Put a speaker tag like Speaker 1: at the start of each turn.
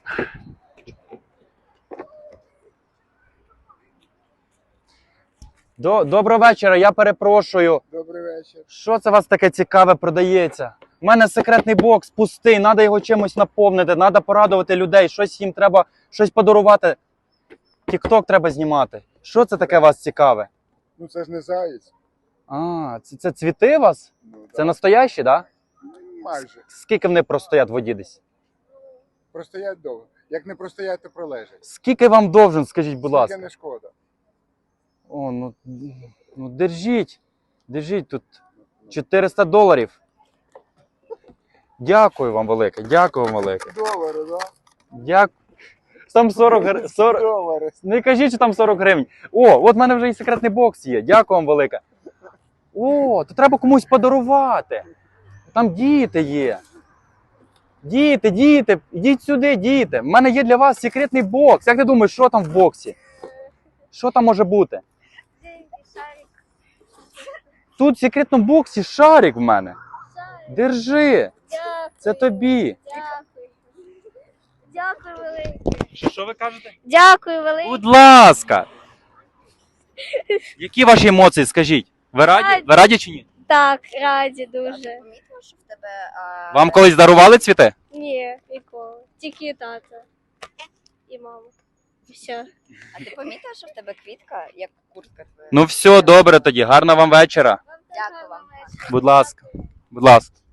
Speaker 1: Доброго вечора, я перепрошую.
Speaker 2: Добрий вечір.
Speaker 1: Що це у вас таке цікаве продається? У мене секретний бокс пустий, треба його чимось наповнити, треба порадувати людей, щось їм треба, щось подарувати. Тік-ток треба знімати. Що це таке у вас цікаве?
Speaker 2: Ну це ж не заєць.
Speaker 1: А, це цвіти у вас?
Speaker 2: Ну,
Speaker 1: Це настоящі, так? Да?
Speaker 2: майже.
Speaker 1: Скільки вони простоять в воді десь?
Speaker 2: Простоять довго. Як не простоять, то пролежать.
Speaker 1: Скільки вам довжен, скажіть, будь ласка?
Speaker 2: Скільки не шкода.
Speaker 1: О, ну держіть. Держіть тут. $400. Дякую вам велике, дякую вам велике.
Speaker 2: Долари, да?
Speaker 1: Дякую. Там 40.
Speaker 2: Долари.
Speaker 1: Не кажіть, що там 40 гривень. О, от в мене вже і секретний бокс є. Дякую вам велике. О, то треба комусь подарувати. Там діти є. Діти, ідіть сюди, діти. У мене є для вас секретний бокс. Як ти думаєш, що там в боксі? Що там може бути? Тут в секретному боксі шарик в мене. Держи.
Speaker 3: Дякую.
Speaker 1: Це тобі.
Speaker 3: Дякую. Дякую велике.
Speaker 1: Що ви кажете?
Speaker 3: Дякую велике.
Speaker 1: Будь ласка. Які ваші емоції, скажіть? Ви раді?
Speaker 3: Раді.
Speaker 1: Ви раді чи ні?
Speaker 3: Так, раді дуже.
Speaker 4: Помітила, що в тебе...
Speaker 1: Вам колись дарували цвіти?
Speaker 3: Ні, ніколи. Тільки тато. І мама. Все.
Speaker 4: А ти помітила, що в тебе квітка, як куртка твоя?
Speaker 1: Ну все, добре тоді. Гарного вам вечора.
Speaker 4: Дякую вам.
Speaker 1: Будь ласка. Будь ласка.